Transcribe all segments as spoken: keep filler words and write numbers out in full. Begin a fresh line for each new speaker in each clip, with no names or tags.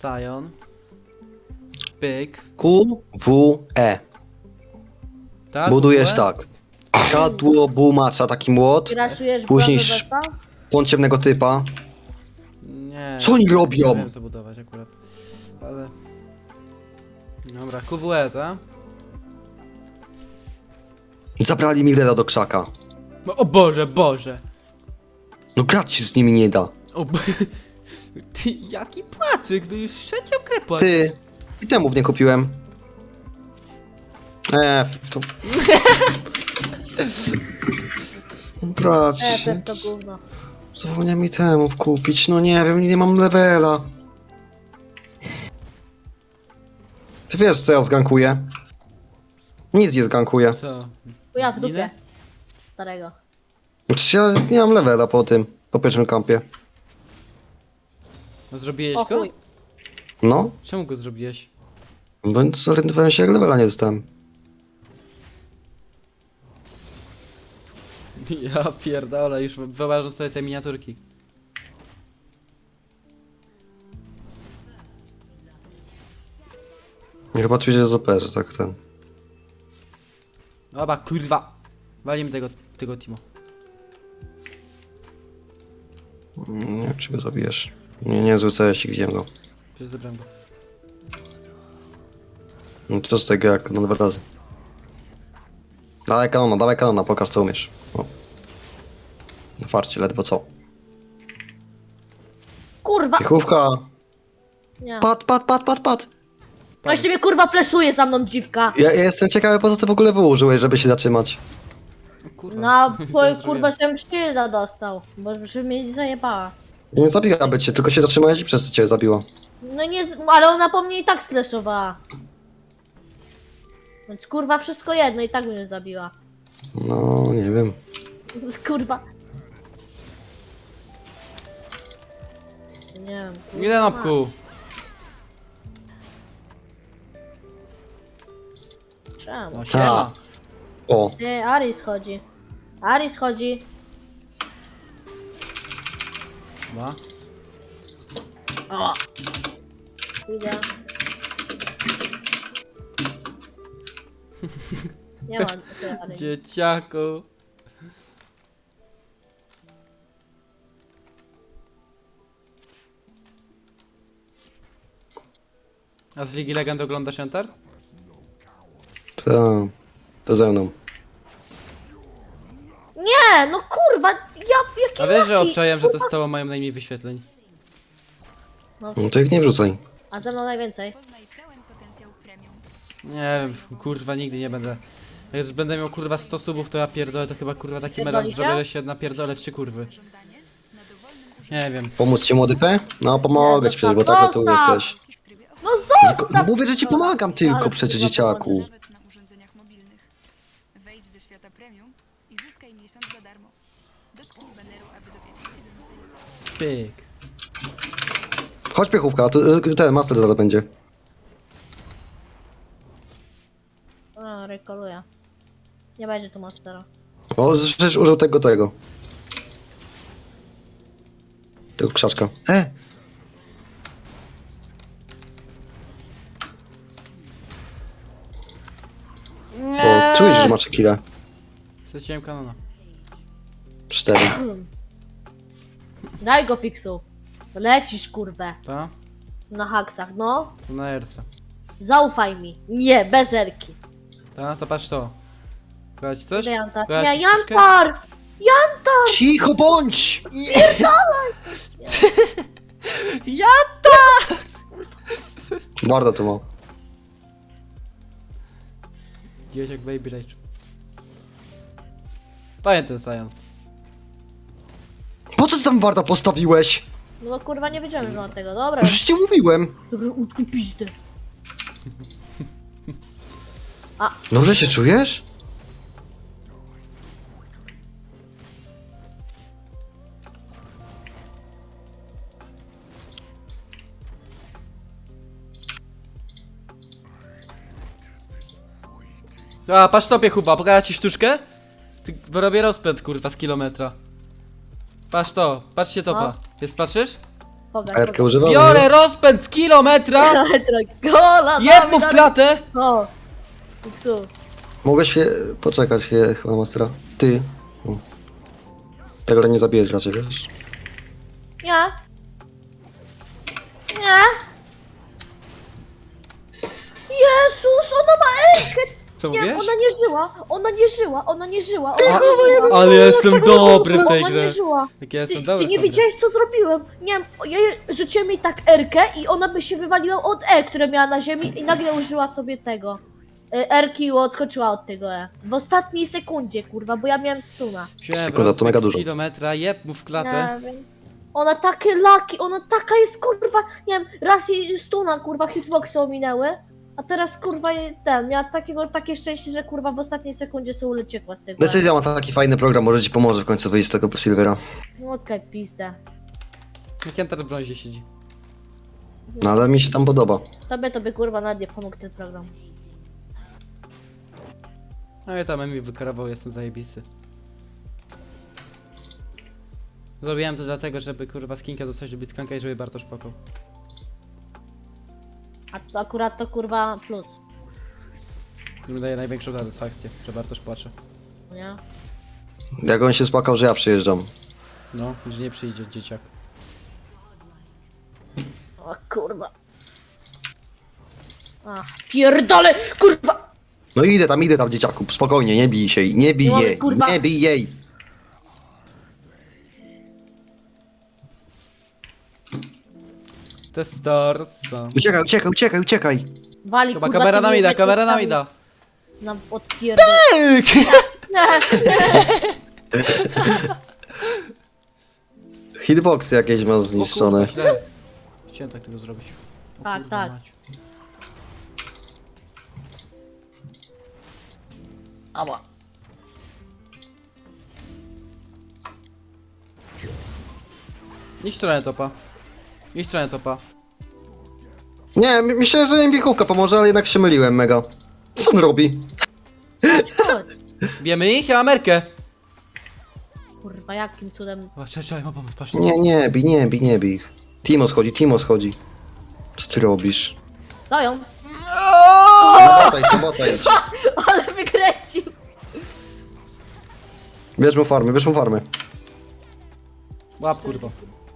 Sion. Pyk.
Q, W, E.
Tak?
Budujesz
W?
tak. Kadło, bumacza, taki młot.
Graszujesz
Później
Później
sz- Płon ciemnego typa.
Nie.
Co oni
Nie
robią?
wiem co budować akurat. Ale... Dobra, Q W E, tak?
Zabrali mi Reda do krzaka.
No, o Boże, Boże!
No grać się z nimi nie da.
O bo... Ty, jaki płaczyk, no już trzecią grę płaczek.
Ty. I temów nie kupiłem. Eee, to... Brać,
E, to gówno.
zapomniałem mi temów kupić, no nie wiem, nie mam levela. Ty wiesz co ja zgankuję? Nic nie zgankuję.
Co?
Ja w dupie.
Ile?
Starego.
Znaczy ja nie mam levela po tym, po pierwszym kampie.
No zrobiłeś
O
go?
chuj.
No,
Czemu go zrobiłeś?
bo zorientowałem się jak levela nie dostałem.
Ja pierdolę, już wyobrażam sobie te miniaturki.
Chyba tu jest O P, że tak ten.
Oba, kurwa! Walimy tego, tego Timo.
Nie wiem czy go zabijesz. Nie, nie, zły C S, widziałem go.
Przecież zebrałem go.
No to z tego jak no dwa razy. Dawaj kanona, dawaj kanona, pokaż co umiesz. O. Na farcie, ledwo co.
Kurwa!
Piechówka!
Nie.
Pat, pat, pat, pat, pat!
No jeszcze mnie kurwa fleszuje za mną dziwka.
Ja, ja jestem ciekawy po co ty w ogóle wyłożyłeś, żeby się zatrzymać.
O, kurwa.
No, bo
Zaraz
kurwa
zrobię.
się szylda dostał. Bo żeby mnie zajebała.
Nie zabiłaby cię, tylko się zatrzymałeś i przez co cię zabiło.
No nie, z- ale ona po mnie i tak slashowała. Więc kurwa wszystko jedno i tak mnie zabiła.
No, nie wiem.
Kurwa. Nie wiem. kurwa.
Ile nopku?
Czemu?
No siema.
O,
Ty, Aris chodzi. Aris chodzi.
Dwa.
O! Idę. Nie ma ty, Aris.
Dzieciaku. A z Ligi Legend oglądasz Enter?
to... To ze mną.
Nie, no kurwa, ja jaki
A wiesz, że
laki?
obczajem, że to z tobą mają najmniej wyświetleń?
No to ich nie wrzucaj.
A ze mną najwięcej.
Poznaj pełen potencjał premium.
Nie wiem, kurwa, nigdy nie będę. Jak już będę miał kurwa sto subów, to ja pierdolę, to chyba kurwa taki melanż
Pierdolicie?
zrobię, że się napierdolę w trzy kurwy.
Żądanie na dowolnym
Nie wiem.
Pomóc ci młody P? No pomogę ci przecież, bo tak tu
Zostaw!
jesteś.
użytki w trybie
No
offline,
zostaw!
No mówię, że ci pomagam tylko
Ale
przecież
kurwa,
dzieciaku.
nawet na urządzeniach mobilnych. Wejdź do świata premium i zyskaj miesiąc za darmo. Dotknij baneru, aby dowiedzieć się więcej.
Pyk.
Chodź piechówka, tu, y, ten master zaraz będzie.
A, rekoluję. Nie będzie tu monstera.
O, żeś użył tego, tego. Tego krzaczka. E! O, czujesz, że masz killa.
Straciłem kanona.
Cztery.
Daj go fiksu. Lecisz kurwę.
Ta?
Na haksach, no.
To na erce.
Zaufaj mi. Nie, bez erki.
Ta? To patrz to. Pokazać ci coś?
Idę Jantar.
Pokazać
Nie,
ci troszkę?
Jantar! Jantar!
Cicho bądź!
Ja!
Barda tu ma.
Dzieciak Baby Rage. Pamiętaj ten Sion.
Po co ty tam Warda postawiłeś?
No bo kurwa nie wiedziałem, że mam tego. Dobra,
Już ci mówiłem.
dobra, utkuj pizdę.
Dobrze się czujesz?
A, patrz tobie chyba, pokażę ci sztuczkę? Ty, bo robię rozpęd kurwa z kilometra. Patrz to, patrzcie topa. Jest, patrzysz?
Pogadź,
Erkę
pogadź.
używamy.
Biorę rozpęd z kilometra!
Gola,
Jeb mu w klatę!
O! Iksu.
Mogłeś się poczekać chwilę, chyba na mastera. Ty. O. Tego nie zabijesz raczej, wiesz?
Nie. Nie. Jezus, ona ma Erkę!
Co
Nie,
mówisz?
ona nie żyła, ona nie żyła, ona nie żyła, ona
A,
nie żyła.
ale ja jestem dobry w tej
Ona
grze.
nie żyła.
Jak ja
Ty,
jestem dobry
ty nie
w tej grze.
widziałeś co zrobiłem? Nie wiem, ja jej- rzuciłem jej tak Erkę i ona by się wywaliła od E, które miała na ziemi i nagle użyła sobie tego. y, Erki i odskoczyła od tego E. W ostatniej sekundzie, kurwa, bo ja miałem stuna.
Wziąłem
Sekunda, to
rozpęd
mega
z
dużo.
kilometra, jeb mu w klatę.
Nie wiem. Ona takie laki, ona taka jest, kurwa, nie wiem, raz jej stuna, kurwa, hitboxy ominęły, a teraz, kurwa, jej ten, miała takiego, takie szczęście, że, kurwa, w ostatniej sekundzie sobie uciekła z tego.
Decyzja ma taki fajny program, może ci pomoże w końcu wyjść z tego Silvera.
Łotkaj pizdę.
Jak Enter w brązie siedzi.
No ale mi się tam podoba.
Tobie to by, kurwa, nawet nie pomógł ten program.
No i tam mi wykarował, jestem zajebisty. Zrobiłem to dlatego, żeby kurwa skinka dostać do Blitzcranka i żeby Bartosz płakał.
A to akurat to, kurwa, plus,
Mi daje największą satysfakcję, że Bartosz płacze.
nie?
Jak on się spłakał, że ja przyjeżdżam.
No, że nie przyjdzie dzieciak.
O, kurwa. Ach, pierdolę, kurwa!
No idę tam, idę tam dzieciaku, spokojnie, nie bij się jej, nie bij
No, ale
jej,
kurwa-
nie bij jej.
To jest Starsa.
Uciekaj, uciekaj, uciekaj, uciekaj.
Wali,
Chyba
kurwa,
kamera
tymi
na mida,
metodami
kamera na mida.
Na odpierdol...
Hitboxy jakieś ma zniszczone.
O kurwa, źle. Chciałem tak tego zrobić. O
Tak,
kurwa
tak.
mać.
Ała.
Idź w stronę topa. Idź w stronę topa.
Nie, my- myślę, że biechówka pomoże, ale jednak się myliłem mega. Co on robi?
Chodź, chodź.
Bijemy ich? Ja mam Erkę.
Kurwa, jakim cudem...
O, czekaj, czekaj, mam pomóc, patrz.
Nie, nie, bij, nie, bij, nie bij. Timo schodzi, Timo schodzi. Co ty robisz?
Dają.
Botaj się, botaj.
Ale wykręcił.
Bierz mu farmy, bierz mu farmy.
Łap kurwa.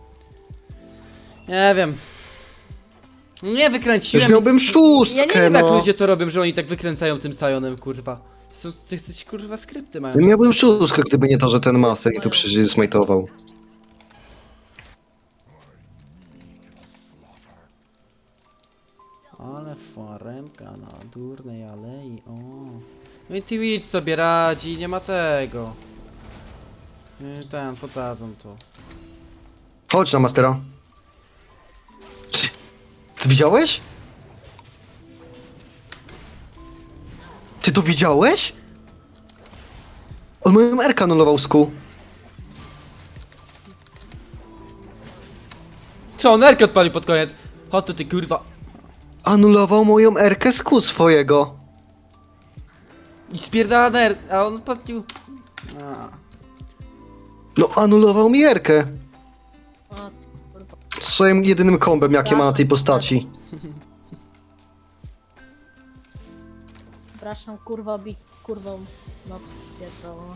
Nie wiem. Nie
Już
wykręciłem.
miałbym
Ja nie
szóstkę,
wiem jak
no.
ludzie to robią, że oni tak wykręcają tym Sionem, kurwa. Są coś kurwa skrypty mają.
Miałbym szóstkę, gdyby nie to, że ten master i to przecież smajtował.
Ale faremka na durnej alei, o. No i Twitch sobie radzi, nie ma tego. I ten, podadzą to.
Chodź na mastera. Czy- Ty widziałeś? Ty to widziałeś? On moją R K anulował sku.
Co, on Erkę odpalił pod koniec? Chodź tu ty kurwa.
Anulował moją R K sku swojego.
I spierdala na R, a on odpalił. A.
No anulował mi R K.
O, kurwa.
Swoim jedynym kombem, jakie ma na tej postaci.
Przepraszam, kurwa, bi... kurwą... No, pierdolę.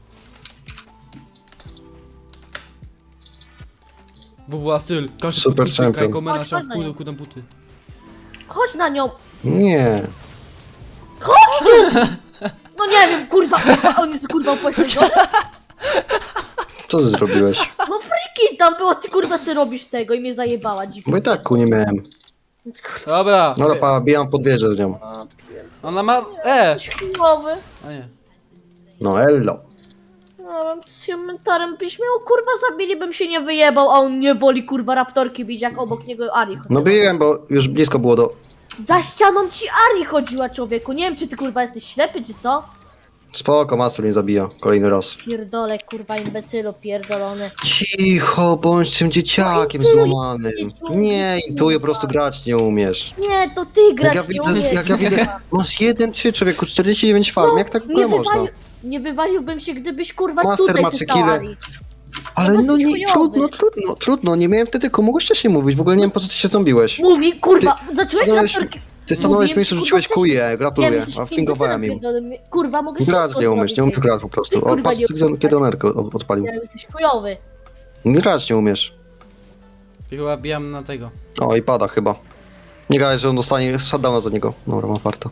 W W A styl. Każdy
Super
podkucka
champion.
jako mena,
Chodź,
trzeba
chodź na
kudą,
nią.
kudą buty.
Chodź na nią!
Nie.
Chodź tu! No nie wiem, kurwa, kurwa, on jest kurwa upośledzony.
Co ty zrobiłeś?
No freaking tam było, ty kurwa ty robisz tego i mnie zajebała dziwnie.
Bo i tak ku nie miałem.
Kurwa,
Dobra.
No pa, bijam pod wieżę z nią.
Ona ma... E!
śmiłowy.
A nie.
No ello.
No, bym z komentarem byś miał, kurwa, zabili, bym się nie wyjebał, a on nie woli, kurwa, raptorki bić, jak obok niego Ari chodziła.
No biłem, bo już blisko było do...
Za ścianą ci Ari chodziła, człowieku. Nie wiem, czy ty, kurwa, jesteś ślepy, czy co?
Spoko, master mnie zabija. Kolejny raz.
Pierdolę, kurwa, imbecylu pierdolony.
Cicho, bądź tym dzieciakiem złamanym. Nie, intuję, po prostu grać nie umiesz.
Nie, to ty grasz,
Jak ja
nie
widzę,
umiesz.
jak ja widzę, masz jeden, trzy człowieku, czterdzieści dziewięć farm, jak tak w ogóle
nie,
można?
wywalił, nie wywaliłbym się, gdybyś, kurwa,
Master
tutaj
ma trzy
został
kile.
Ari.
Ale
No
no
jesteś
nie,
chujowy.
trudno, trudno, trudno, nie miałem wtedy komu wcześniej mówić, w ogóle nie wiem po co ty się ząbiłeś.
Mówi, kurwa, zacząłeś
stanąłeś-
latarki.
Ty stanąłeś w
Mówiłem
miejscu,
ci,
rzuciłeś
kurwa, wcześniej.
kuje,
Nie,
gratuluję,
jesteś
a wpingowałem im.
pierdolony. Kurwa, mogę
Grać
wszystko
nie umiesz, nie umiesz
zrobić.
grać po prostu.
Ty,
O,
kurwa,
patrz,
nie
kiedy- kiedy on erkę od- odpalił.
Nie, jesteś chujowy.
Grać nie umiesz.
Chyba bijam na tego.
O, i pada chyba. Nie gadaj, że on dostanie shutdowna za niego. Dobra, mam farta.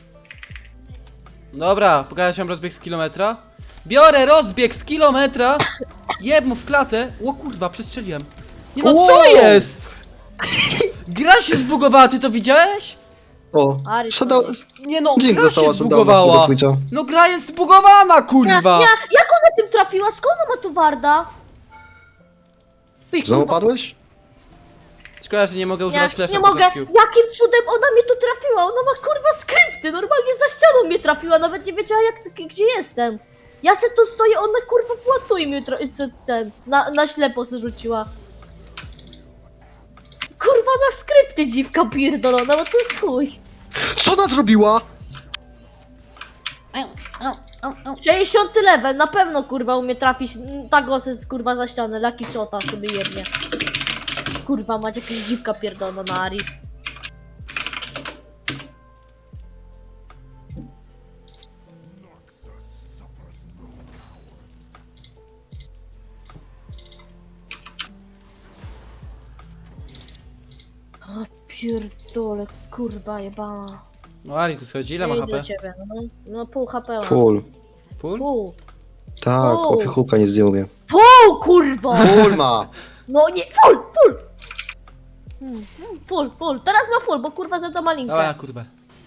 Dobra, pokażę wam rozbieg z kilometra. Biorę rozbieg z kilometra. Jeb mu w klatę. O kurwa, przestrzeliłem. Nie no, co
Wow!
jest? Gra się zbugowała, ty to widziałeś?
O,
Ary,
shutdown...
Nie no,
Dzik
gra
została
się
shutdowna z tego
zbugowała.
Twitcha.
No gra jest zbugowana,
Nie,
kurwa.
nie, jak ona tym trafiła? Skąd ona ma tu warda? Pyk,
Znowu
kurwa.
padłeś?
Szkoda, że nie mogę
Nie,
używać flasha
nie
po
mogę.
rescue.
Jakim cudem ona mnie tu trafiła? Ona ma kurwa skrypty. Normalnie za ścianą mnie trafiła. Nawet nie wiedziała jak, gdzie jestem. Ja se tu stoję, ona kurwa płatu i mnie tra- co ten, na, na ślepo se rzuciła. Kurwa na skrypty dziwka pierdolona, bo to jest chuj.
Co ona zrobiła?
sześćdziesiąty level, na pewno kurwa umie trafić mm, tak osy kurwa za ścianę, Lucky Shota sobie jednie. Kurwa macie jakaś dziwka pierdolona na Ari. A pierdole, kurwa jebana.
No Ali tu schodzi, ile ma
Ej,
H
do
P?
ciebie, no. No pół H P ma.
Full.
Full?
Pół.
Tak,
Full.
chłopie hulka nie zdjął mnie.
Pół kurwa!
Full ma!
No nie, full, full! Hmm, hmm, full, full. Teraz ma full, bo kurwa za to malinkę.
Dawaj, kurwa.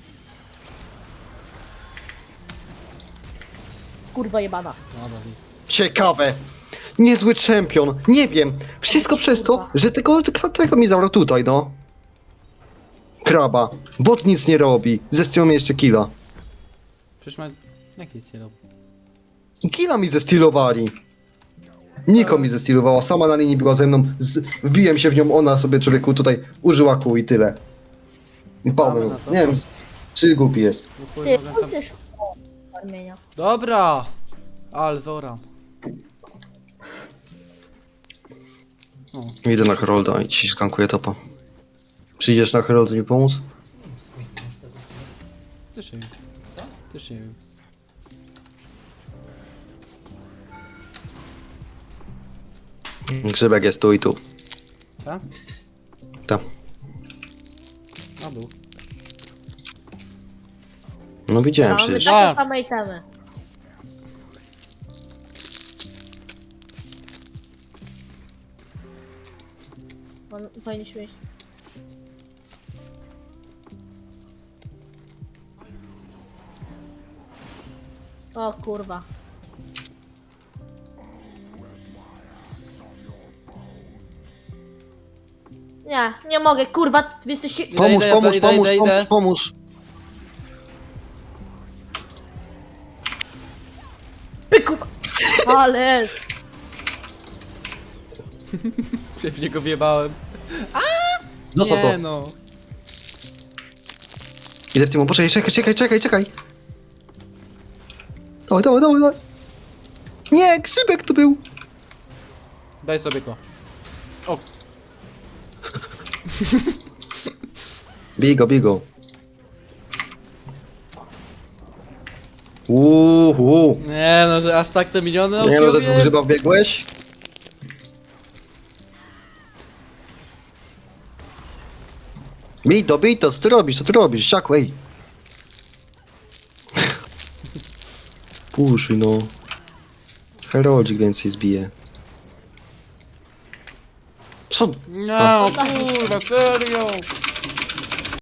Kurwa jebana.
Dobra,
Ciekawe. Niezły czempion. Nie wiem. Wszystko przez to, że tego, tego mi zabrał tutaj, no. Kraba. Bot nic nie robi. Zestiął mi jeszcze killa.
przecież ma... Jak nic nie robi?
Killa mi zestylowali. Niko mi zestylowała, sama na linii była ze mną, z... wbiłem się w nią, ona sobie człowieku tutaj użyła kół i tyle. I padłem.
Mamy na to.
Nie wiem, czy głupi jest.
No chuj,
Ty,
mogę
on
tam...
też armienia.
Dobra! Al, zora. O,
Idę na Herolda i ci skankuję topa. Przyjdziesz na Herolda mi pomóc?
też nie wiem. Też nie wiem.
Grzybek jest tu i tu.
Tak?
Tak.
A był.
No widziałem
Mamy
przecież.
takie
Tak.
same itemy. On powinniśmy iść. O kurwa. Nie, nie mogę, kurwa, wy jesteście...
Idę,
Pomóż,
idę,
pomóż,
idę,
pomóż,
idę,
pomóż,
idę.
pomóż.
Py, kurwa! Ale...
Się w niego wjebałem.
Dostał
Nie
to.
no.
Idę w tym, poczekaj, czekaj, czekaj, czekaj, czekaj. Dawaj, dawaj, dawaj, dawaj. Nie, Grzybek tu był.
Daj sobie go. O,
Bigo, bigo. Uhu.
nie no, że aż tak te miliony
Nie no, że
odbiłem.
w grzyba wbiegłeś? Bij to, bij to, co ty robisz, co ty robisz, siaku, ej. Puszuj no. Heroldzik więcej zbije. Co?
Nie, no kurwa, serio.